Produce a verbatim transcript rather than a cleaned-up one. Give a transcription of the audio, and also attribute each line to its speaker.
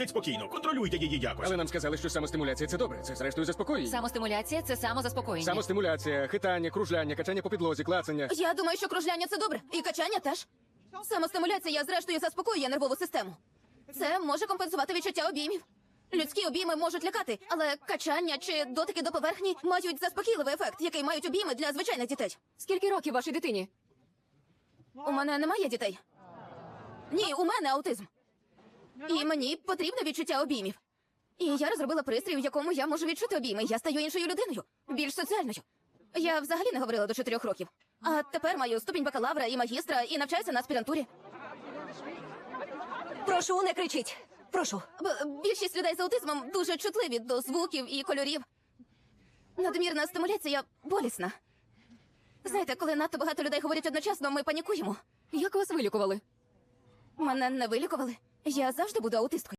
Speaker 1: Спокійно, контролюйте її якось.
Speaker 2: Але нам сказали, що самостимуляція – це добре. Це, зрештою, заспокоює.
Speaker 3: Самостимуляція – це самозаспокоєння.
Speaker 2: Самостимуляція, хитання, кружляння, качання по підлозі, клацання.
Speaker 4: Я думаю, що кружляння це добре. І качання теж. Самостимуляція, зрештою, заспокоює нервову систему. Це може компенсувати відчуття обіймів. Людські обійми можуть лякати, але качання чи дотики до поверхні мають заспокійливий ефект, який мають обійми для звичайних дітей.
Speaker 3: Скільки років вашій дитині?
Speaker 4: У мене немає дітей. Ні, у мене аутизм. І мені потрібне відчуття обіймів. І я розробила пристрій, в якому я можу відчути обійми. Я стаю іншою людиною, більш соціальною. Я взагалі не говорила до чотирьох років. А тепер маю ступінь бакалавра і магістра, і навчаюся на аспірантурі.
Speaker 3: Прошу, не кричіть. Прошу.
Speaker 4: Б- більшість людей з аутизмом дуже чутливі до звуків і кольорів. Надмірна стимуляція болісна. Знаєте, коли надто багато людей говорять одночасно, ми панікуємо.
Speaker 3: Як вас вилікували?
Speaker 4: Мене не вилікували. Я завжди буду аутисткою.